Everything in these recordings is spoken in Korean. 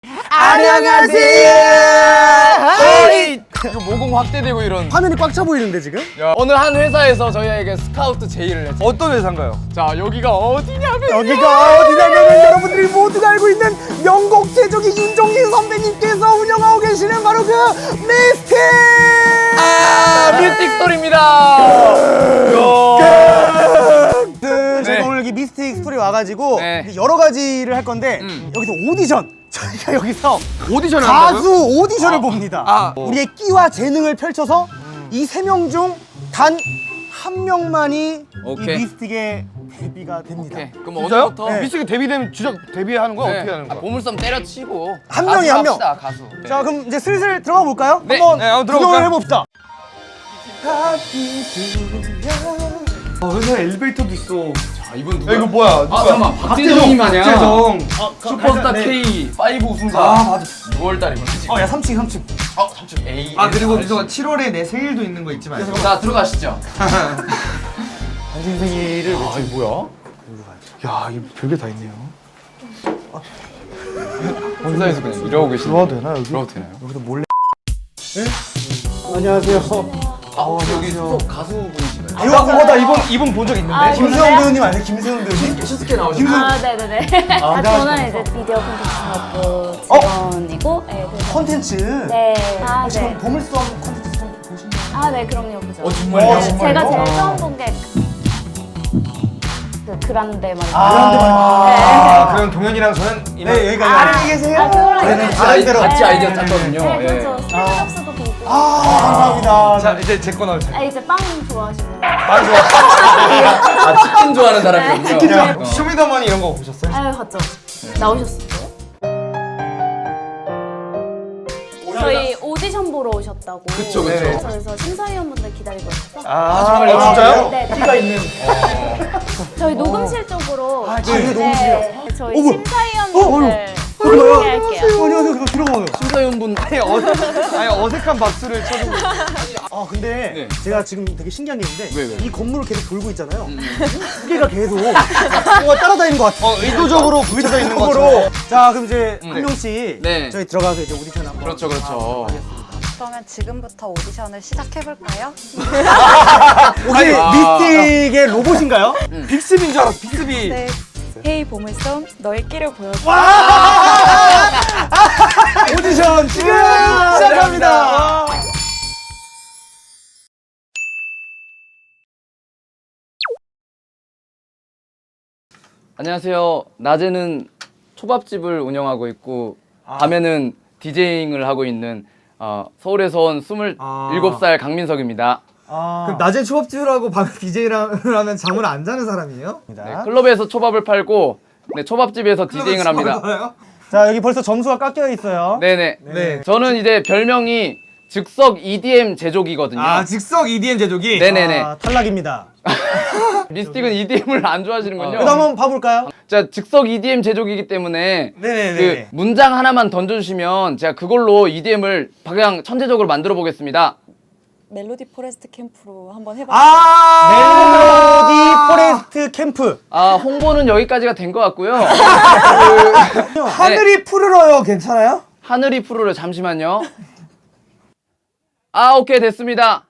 안녕하세요. 이거 모공 확대되고 이런. 화면이 꽉 차 보이는데 지금? 야, 어느 한 회사에서 저희에게 스카우트 제의를 했죠. 어떤 회사인가요? 자, 여기가 어디냐면 여기가 어디냐면 여러분들이 모두가 알고 있는 명곡 제조기 윤종신 선배님께서 운영하고 계시는 바로 그 미스틱! 미스틱 스토리입니다. 저희가 오늘 여기 미스틱 스토리 와가지고 네. 여러 가지를 할 건데 여기서 오디션! 저희가 여기서 오디션을 가수 오디션을 봅니다. 뭐. 우리의 끼와 재능을 펼쳐서 이 세 명 중 단 한 명만이 오케이. 이 미스틱의 데뷔가 됩니다. 오케이. 그럼 진짜요? 어제부터 네. 미스틱 데뷔되면 주작 데뷔하는 거야? 네. 어떻게 하는 거야? 보물섬 때려치고 한 가수 명이 한 명. 합시다, 가수. 네. 자 그럼 이제 슬슬 들어가 볼까요? 네. 한번 네, 한번 구경을 들어볼까요? 해봅시다. 회사에 엘리베이터도 있어. 아, 이분 누구야? 야, 이거 뭐야? 아, 잠깐만. 박재정님 아니야? 박재정. 슈퍼스타 네. K5 우승자. 아, 맞아. 6월달이구나 지금. 야 3층 3층. 3층 A. 아, 그리고 민서가 7월에 내 생일도 있는 거 잊지 말고. 자, 들어가시죠. 당신 생일을 아, 이거 뭐야? 야, 이거 별게 다 있네요. 혼자서 그냥 이러고 계시는. 들어와도 되나, 여기? 들어도 되나요? 여기서 몰래. 안녕하세요. 여기 또 가수분이신가요? 이거 나 이분 본 적 있는데. 아, 김세훈 그래요? 배우님 아니에요? 김세훈 배우님? 슈스케 나오신 아, 네네네. 저는 이제 미디어 콘텐츠 사업부 직원이고, 네, 그래서. 콘텐츠. 네. 아, 지금 네. 보물섬 콘텐츠 좀 보시나요? 아, 네, 그럼요, 보죠. 정말요? 네, 정말요? 제가 제일 처음 본 게 그 그란데 말이에요. 아, 그럼 동현이랑 저는 네 여기까지. 안녕히 계세요. 그거랑 네네, 이제- 나름대로. 같이 아이디어 짰거든요. 네, 예. 그렇죠. 스타벅스도 보고. 감사합니다. 자, 이제 제 거 나오세요. 아, 이제 빵 좋아하시고. 아, 치킨 좋아하는 사람이군요. 야, 쇼미더머니 이런 거 보셨어요? 아유, 봤죠. 나오셨어요? 저희 오디션 보러 오셨다고. 그쵸, 그쵸. 그래서 심사위원분들 기다리고 있어서. 정말요? 진짜요? 네, 네. 끼가 있는. 저희 녹음실 쪽으로. 저희 녹음실이요? 저희 어머. 심사위원분들 그런가요? 소개할게요. 안녕하세요. 그거 들어가요. 심사위원분. 어색한 박수를 쳐주고. 아 근데 네. 제가 지금 되게 신기한 게 있는데 왜? 이 건물을 계속 돌고 있잖아요. 두 개가 계속 뭔가 따라다니는 것 같아요. 의도적으로 붙여져 있는 으로 것처럼. 자 그럼 이제 한 명씩 네. 저희 들어가서 이제 오디션 한번. 그렇죠, 그렇죠. 그러면 지금부터 오디션을 시작해볼까요? 혹시 미스틱의 로봇인가요? 빅스비인 줄 알았어, 빅스비. 네. 헤이 보물섬 너의 끼를 보여줘. 오디션 지금 시작합니다. 안녕하세요. 낮에는 초밥집을 운영하고 있고 밤에는 디제잉을 하고 있는 서울에서 온 27살 강민석입니다. 그럼 낮에 초밥집을 하고 밤에 DJ를 하면 잠을 안 자는 사람이에요? 네, 클럽에서 초밥을 팔고 네, 초밥집에서 디제잉을 합니다. 자 여기 벌써 점수가 깎여 있어요. 네네. 네. 저는 이제 별명이 즉석 EDM 제조기거든요. 아 즉석 EDM 제조기? 네네네. 아, 탈락입니다. 미스틱은 EDM을 안 좋아하시는군요. 그다음 한번 봐볼까요? 자, 즉석 EDM 제조기이기 때문에 네네네. 그 문장 하나만 던져주시면 제가 그걸로 EDM을 그냥 천재적으로 만들어 보겠습니다. 멜로디 포레스트 캠프로 한번 해봤어요. 멜로디 포레스트 캠프. 홍보는 여기까지가 된 것 같고요. 하늘이 푸르러요 괜찮아요? 하늘이 푸르르 잠시만요. 오케이 됐습니다.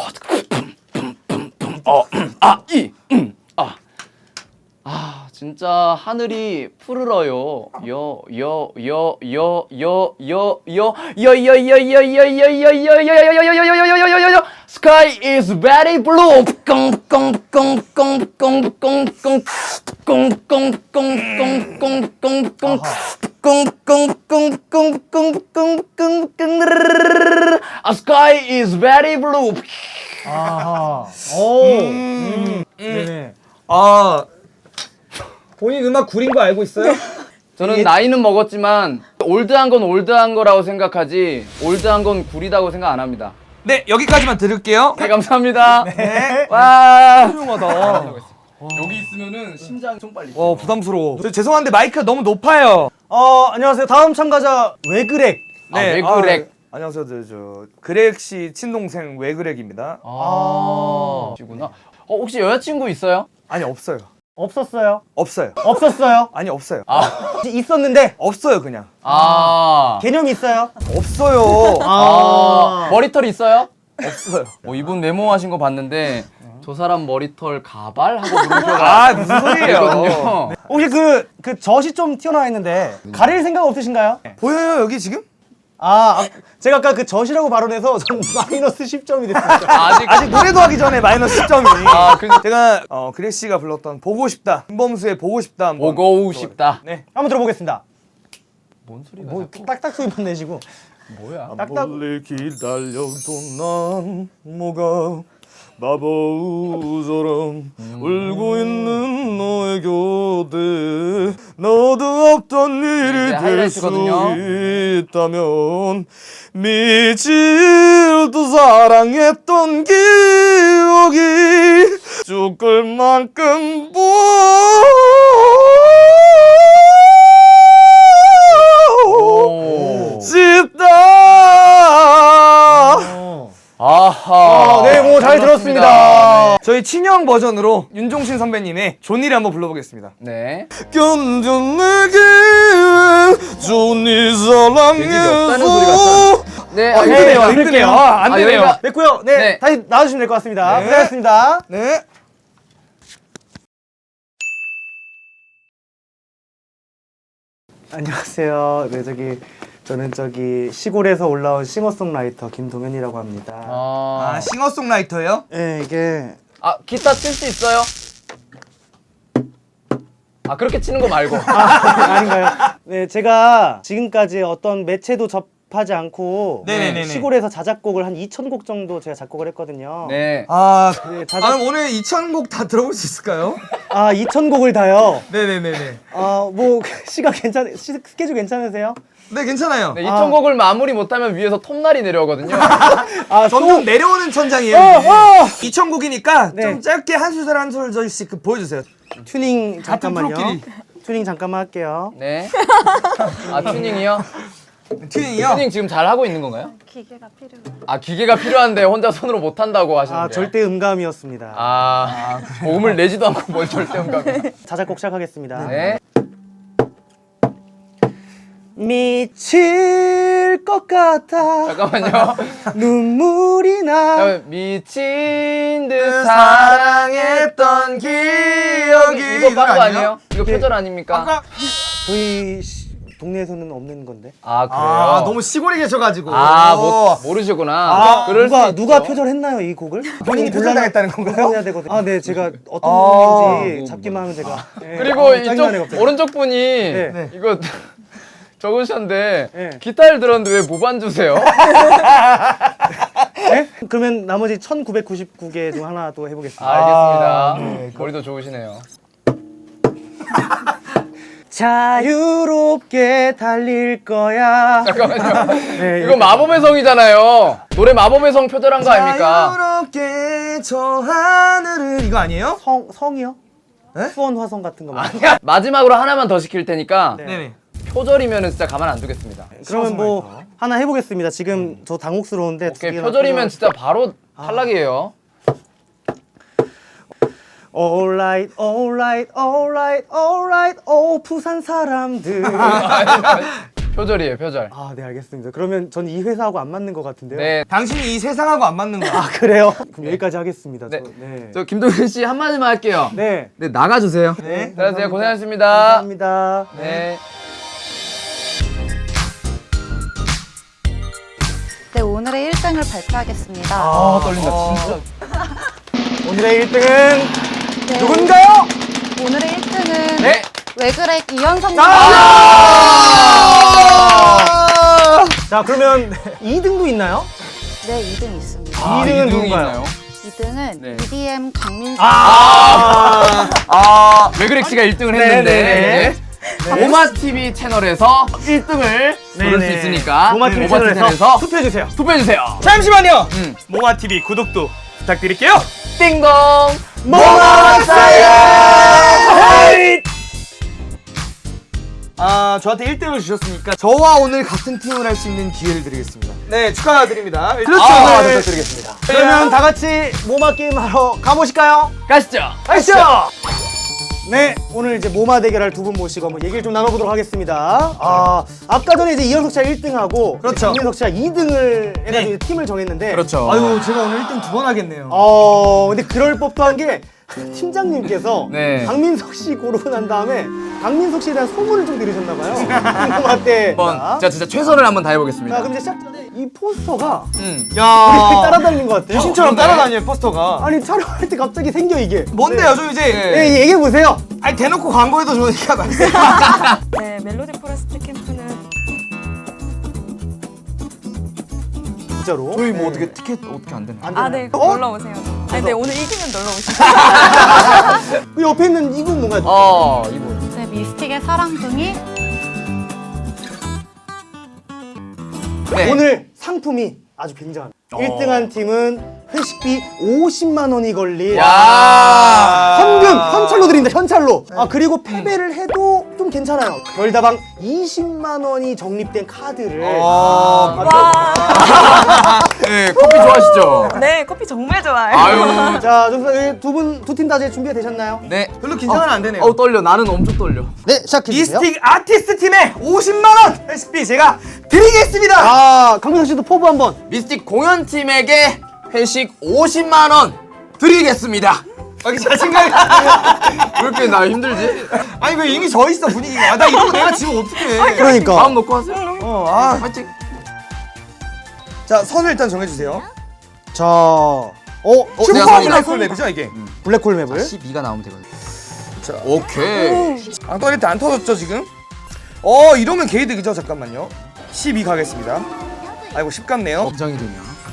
진짜 하늘이 푸르러요. Sky is very blue. Sky is very blue. 아하. 오. 네네. 아 본인 음악 구린 거 알고 있어요? 저는 나이는 먹었지만 올드한 건 올드한 거라고 생각하지 올드한 건 구리다고 생각 안 합니다. 네 여기까지만 들을게요. 네, 감사합니다. 네. 와. 훌륭하다. 여기 있으면은 심장이 좀 빨리. 부담스러워. 죄송한데 마이크가 너무 높아요. 안녕하세요. 다음 참가자 외그렉. 왜 그래? 안녕하세요, 저 그렉 씨 친동생 외그렉입니다. 시구나. 혹시 여자친구 있어요? 아니 없어요. 없었어요. 없어요. 없었어요. 아니 없어요. 있었는데 없어요 그냥. 개념이 있어요. 없어요. 머리털 있어요? 없어요. 이분 메모하신 거 봤는데 저 사람 머리털 가발 하고 물음표가 무슨 소리예요? 있거든요. 혹시 그 젖이 좀 튀어나와 있는데 가릴 생각 없으신가요? 보여요 여기 지금? 제가 아까 그 젖이라고 발언해서 전 마이너스 10점이 됐습니다. 아직 노래도 하기 전에 마이너스 10점이. 근데 제가 그레 씨가 불렀던 보고 싶다. 김범수의 보고 싶다 한번. 보고 싶다. 네. 한번 들어보겠습니다. 뭔 소리가? 뭐 딱딱 소리만 내시고. 뭐야? 딱딱. 멀리 기다려도 난 뭐가 바보처럼 울고 있는 너의 곁에 너도 없던 일이 이제 될 수 하이라이트거든요. 있다면 미칠 듯 사랑했던 기억이 죽을 만큼 보고 싶다. 아하. 네, 뭐 잘 들었습니다. 저희 친형 버전으로 윤종신 선배님의 존니를 한번 불러보겠습니다. 네. 견뎌내기 존니 사랑해서. 네. 힘드네요. 힘드네요. 안 되네요. 여기가- 됐고요. 네, 네. 다시 나와주시면 될 것 같습니다. 네. 고생하셨습니다. 네. 안녕하세요. 네, 저는 시골에서 올라온 싱어송라이터 김동현이라고 합니다. 싱어송라이터예요? 네, 이게 기타 칠 수 있어요? 그렇게 치는 거 말고. 아닌가요? 네, 제가 지금까지 어떤 매체도 접하지 않고 네네네네. 시골에서 자작곡을 한 2,000곡 정도 제가 작곡을 했거든요. 네. 네, 그럼 오늘 2,000곡 다 들어볼 수 있을까요? 2,000곡을 다요. 네네네네. 뭐 스케줄 괜찮으세요? 네, 괜찮아요. 네, 2,000곡을 마무리 못하면 위에서 톱날이 내려오거든요. 점점 내려오는 천장이에요. 2,000곡이니까 네. 좀 짧게 한 소절 한 소절씩 보여주세요. 튜닝 같은 잠깐만요. 프로끼리. 튜닝 잠깐만 할게요. 네. 튜닝이요? 튜닝이요? 튜닝 지금 잘 하고 있는 건가요? 기계가 필요해요. 기계가 필요한데 혼자 손으로 못 한다고 하시는데. 절대 음감이었습니다. 고음을 내지도 않고 뭘 절대 음감. 자작곡 시작하겠습니다. 네. 미칠 것 같아 잠깐만요. 눈물이 나. 미친 듯 사랑했던 기억이. 이거 딴거 아니에요? 이거 표절 아닙니까? 저희 동네에서는 없는 건데. 그래요? 너무 시골에 계셔가지고. 모르시구나. 그럴 수 누가 있죠. 표절했나요 이 곡을? 본인이 표절당했다는 건가요? 해야 되거든요. 네, 제가 어떤 곡인지 잡기만 하면 제가. 그리고 짜증나네, 갑자기. 오른쪽 분이 네. 이거 적으셨는데 네. 기타를 들었는데 왜 무반 주세요? 네? 그러면 나머지 1999개 중 하나 또 해보겠습니다. 알겠습니다. 머리도 좋으시네요. 자유롭게 달릴 거야. 잠깐만요. 네, 이거 마법의 성이잖아요. 노래 마법의 성 표절한 거 아닙니까? 자유롭게 저 하늘을 이거 아니에요? 성이요? 네? 수원 화성 같은 거 말이요? 마지막으로 하나만 더 시킬 테니까 네네. 표절이면 진짜 가만 안 두겠습니다. 그러면 뭐 하나 해보겠습니다. 지금 저 당혹스러운데. 오케이, 표절이면 진짜 바로 탈락이에요. Alright, alright, alright, alright, 부산 사람들. 표절이에요, 표절. 네, 알겠습니다. 그러면 전 이 회사하고 안 맞는 것 같은데요. 네. 당신이 이 세상하고 안 맞는 거야. 그래요? 그럼 여기까지 하겠습니다. 네. 네. 저 김동현 씨 한마디만 할게요. 네. 네, 나가주세요. 네. 안녕하세요. 고생하셨습니다. 감사합니다. 네. 네, 오늘의 1등을 발표하겠습니다. 떨린다, 진짜. 오늘의 1등은 네, 누군가요? 오늘의 1등은 네. 왜 그래 이현성 자, 그러면 2등도 있나요? 네, 2등 있습니다. 2등은 누군가요? 2등은 네. EDM 강민수. 외그렉 씨가 1등을 네, 했는데 모마TV 채널에서 1등을 고를 수 네. 있으니까 모마TV 모마TV 채널에서 투표해주세요. 투표해주세요. 잠시만요. 모마TV 구독도 부탁드릴게요. 띵동. 저한테 1등을 주셨으니까 저와 오늘 같은 팀을 할 수 있는 기회를 드리겠습니다. 네, 축하드립니다. 그렇죠. 네. 부탁드리겠습니다. 그러면 다 같이 모마 게임 하러 가보실까요? 가시죠. 가시죠. 네, 오늘 이제 모마 대결할 두 분 모시고 한번 얘기를 좀 나눠보도록 하겠습니다. 아까 전에 이제 이현석 씨가 1등하고 그렇죠. 강민석 씨가 2등을 해가지고 팀을 정했는데 그렇죠. 아유 제가 오늘 1등 2번 하겠네요. 근데 그럴 법도 한 게 팀장님께서 네. 강민석 씨 고르고 난 다음에 강민석 씨에 대한 소문을 좀 들으셨나봐요. 모마 때. 한번 제가 진짜 최선을 한번 자, 다해보겠습니다. 그럼 이제 시작 전에 이 포스터가 야 우리 따라다니는 것 같아요. 귀신처럼 따라다녀요 포스터가. 아니 촬영할 때 갑자기 생겨 이게. 뭔데요 좀 이제 네, 얘기해 보세요. 아니 대놓고 광고해도 좋으니까 말씀. 네, 멜로디 포레스트 캠프는 진짜로. 저희 뭐 어떻게 티켓 어떻게 안 되나요? 아, 네, 꼭 놀러 오세요. 네, 네, 오늘 이기면 놀러 오시죠. 그 옆에 있는 이분 뭔가 이분. 네, 미스틱의 사랑둥이. 네. 오늘 상품이 아주 굉장합니다. 1등한 팀은 회식비 50만 원이 걸린 현찰로 드립니다. 현찰로. 그리고 패배를 해도 좀 괜찮아요. 별다방 20만 원이 적립된 카드를 네, 커피 좋아하시죠? 네, 커피 정말 좋아요. 아유. 자, 두 팀 다 이제 준비가 되셨나요? 네. 별로 긴장은 안 되네요. 떨려. 나는 엄청 떨려. 네, 시작해 주세요. 미스틱 아티스트 팀에 50만 원 레시피 제가 드리겠습니다. 강민석 씨도 포부 한번. 미스틱 공연팀에게 회식 50만 원 드리겠습니다. 여기 자신감이. 왜 이렇게 나 힘들지? 아니 왜 이미 져 있어 분위기가. 나 이거 내가 지금 어떡해. 그러니까. 마음 놓고 하세요. 파이팅. 자 선을 일단 정해주세요. 자, 내가 슈퍼 블랙홀 맵이죠 이게. 블랙홀 맵을. 12가 나오면 되거든. 자. 오케이. 안 떨릴 때 안 터졌죠 지금? 이러면 개이득이죠. 잠깐만요. 12 가겠습니다. 아이고 10 같네요. 걱정이 되냐?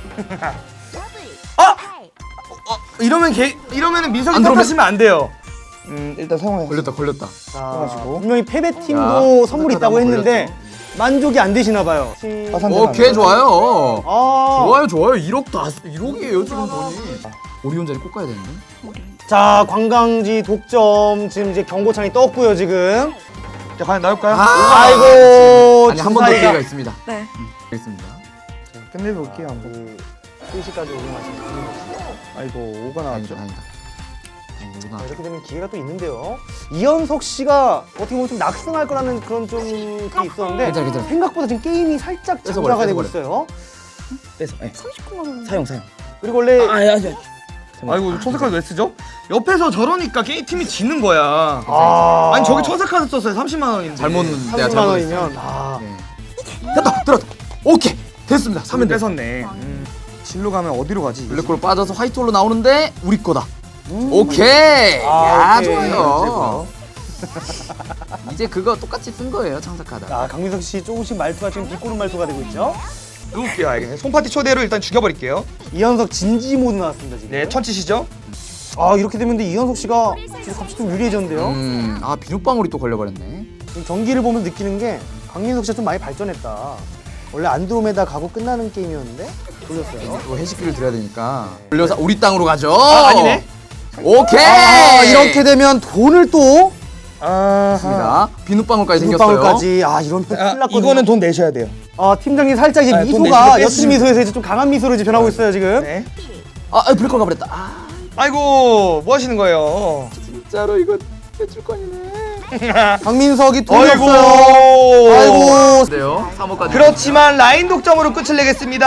이러면은 민석이 안 들어오면- 탓하시면 안 돼요. 일단 사용해. 걸렸다. 자, 분명히 패배팀도 선물이 있다고 했는데 만족이 안 되시나 봐요. 오케이, 좋아요. 아, 좋아요. 1억이에요, 지금 돈이. 오리온 자리 꼭 가야 되는데? 자, 관광지 독점 지금 이제 경고창이 떴고요, 지금. 자 과연 나올까요? 아이고, 아니, 한 번 더 주사위가 기회가 있습니다. 네. 알겠습니다. 끝내볼게요 한번. 3시까지 오용하시는 분이 아이고 5가 나왔죠. 아니다. 이렇게 되면 기회가 또 있는데요. 이현석 씨가 어떻게 보면 좀 낙승할 거라는 그런 좀 게 있었는데 괜찮아. 생각보다 지금 게임이 살짝 뺏어버려, 장사가 되고 뺏어버려. 있어요. 뺏어. 39만 원. 사용. 그리고 원래 아이고 초색카드 왜 쓰죠? 옆에서 저러니까 게임 팀이 지는 거야. 아, 아니 저기 초색카드 썼어요. 30만 원인데. 내가 30만 원이면 네. 들었다. 오케이. 됐습니다. 사면 돼. 뺏었네. 진로 가면 어디로 가지? 블랙홀 빠져서 화이트홀로 나오는데 우리 거다. 오케이. 야, 오케이. 좋아요. 이제 그거 똑같이 쓴 거예요, 창사카드. 강민석 씨 조금씩 말투가 지금 비꼬는 말투가 되고 있죠. 누울게요. 알겠네. 손파티 초대로 일단 죽여버릴게요. 이현석 진지 모드 나왔습니다 지금. 네, 천치시죠? 이렇게 되면 근데 이현석 씨가 지금 갑자기 좀 유리해졌는데요. 비눗방울이 또 걸려버렸네. 지금 경기를 보면 느끼는 게 강민석 씨가 좀 많이 발전했다. 원래 안드로메다 가고 끝나는 게임이었는데 돌렸어요. 또 회식비를 드려야 되니까. 돌려서 우리 땅으로 가죠. 아니네. 오케이. 이렇게 되면 돈을 또 있습니다. 비눗방울까지 생겼어요. 비눗방울까지. 이러면 큰일 났거든요. 이거는 돈 내셔야 돼요. 팀장님 살짝 이제 돈 미소가 내시고 옅은 미소에서 이제 좀 강한 미소로 이제 변하고 있어요 지금. 네. 블랙홀 가버렸다. 아이고, 뭐 하시는 거예요? 진짜로 이거 해줄 거니네. 강민석이 돈이 아이고. 없어요. 아이고. 그래요? 3호까지. 그렇지만 라인 독점으로 끝을 내겠습니다.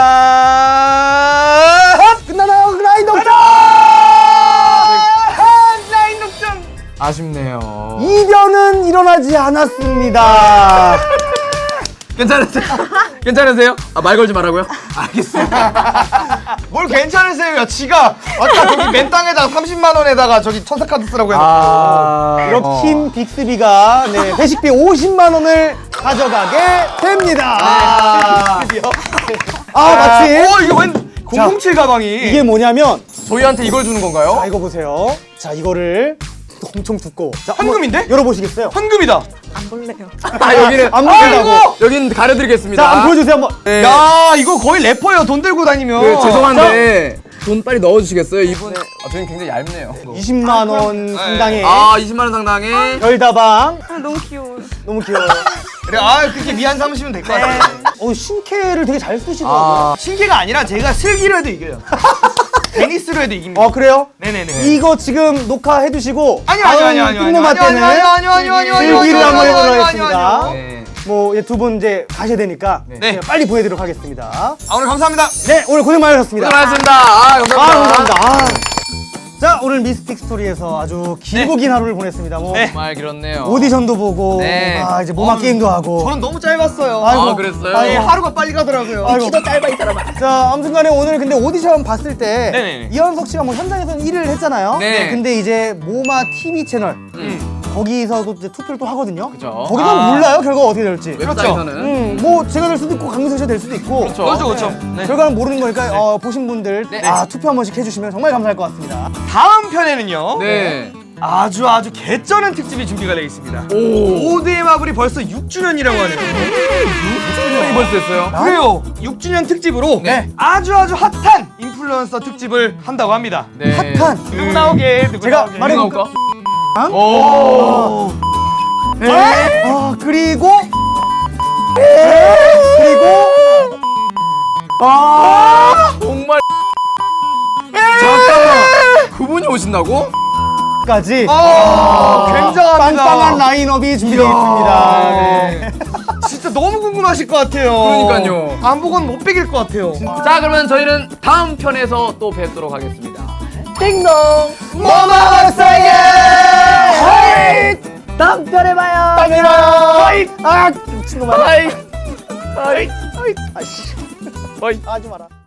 끝나나요? 라인 독점! 라인 독점. 아쉽네요. 이변은 일어나지 않았습니다. 괜찮으세요? 괜찮으세요? 말 걸지 말라고요? 알겠습니다. 뭘 괜찮으세요? 지가 아까 저기 맨 땅에다가 30만 원에다가 저기 천사카드 쓰라고 해놓고. 이렇게 팀 빅스비가 회식비 50만 원을 가져가게 됩니다. 마치 이거 웬 007 가방이. 이게 뭐냐면 저희한테 이걸 주는 건가요? 이거 보세요. 자, 이거를 엄청 두꺼워. 자, 한번 현금인데? 열어보시겠어요? 현금이다. 안 볼래요. 여기는 안 보인다고. 여기는 가려드리겠습니다. 자, 한번 보여주세요 한번. 네. 야, 이거 거의 래퍼예요. 돈 들고 다니면. 죄송한데 돈 빨리 넣어주시겠어요? 이분 저희는 굉장히 얇네요. 20만 원 상당의 20만 원 상당의 별다방. 너무 귀여워요. 너무 귀여워요. 그래, 그렇게 미안 삼으시면 될 것 같아요. 신캐를 되게 잘 쓰시더라고요. 신기가 아니라 제가 슬기로 해도 이겨요. 데니스로 해도 이깁니다. 그래요? 네네네. 이거 지금 녹화해 두시고 아니요. 띵노마 때는 슬기를 한번 해보도록 하겠습니다. 네. 뭐 두 분 이제 가셔야 되니까 네. 제가 빨리 보내드리도록 하겠습니다. 오늘 감사합니다. 네, 오늘 고생 많으셨습니다. 수고하셨습니다. 아, 감사합니다. 감사합니다. 자, 오늘 미스틱 스토리에서 아주 길고 긴 하루를 보냈습니다. 뭐 정말 길었네요. 오디션도 보고, 네. 이제 모마 게임도 하고. 저는 너무 짧았어요. 아, 그랬어요? 아이고. 하루가 빨리 가더라고요. 아이고. 짧아 이 사람아. 자, 아무튼간에 오늘 근데 오디션 봤을 때 네네네. 이현석 씨가 뭐 현장에서는 1위를 했잖아요. 네. 근데 이제 모마 TV 채널 거기서도 이제 투표를 또 하거든요. 그죠. 거기서는 몰라요 결과가 어떻게 될지. 웹사이트는 뭐 제가 될 수도 있고 강민석 씨가 될 수도 있고. 그렇죠. 네. 결과는 모르는 거니까 보신 분들 네. 투표 한 번씩 해주시면 정말 감사할 것 같습니다. 다음 편에는요. 네. 아주 개쩌는 특집이 준비가 되어 있습니다. 오드의 마블이 벌써 6주년이라고 하네요. 6주년이 벌써 됐어요. 그래요. 6주년 특집으로 네. 아주 핫한 인플루언서 특집을 한다고 합니다. 네. 핫한 누구 나오게? 누구 제가 나오게? 말해볼까? 오. 그리고 정말. 잠깐만. 그분이 오신다고? 까지 굉장합니다. 빵빵한 라인업이 준비되어 있습니다. 네. 진짜 너무 궁금하실 것 같아요. 그러니까요. 안 보고는 못 베길 것 같아요. 자, 그러면 저희는 다음 편에서 또 뵙도록 하겠습니다. 모마 박사의 다음 편에 봐요. 다음에 봐요. 미친놈아. 바이. 하지 마라.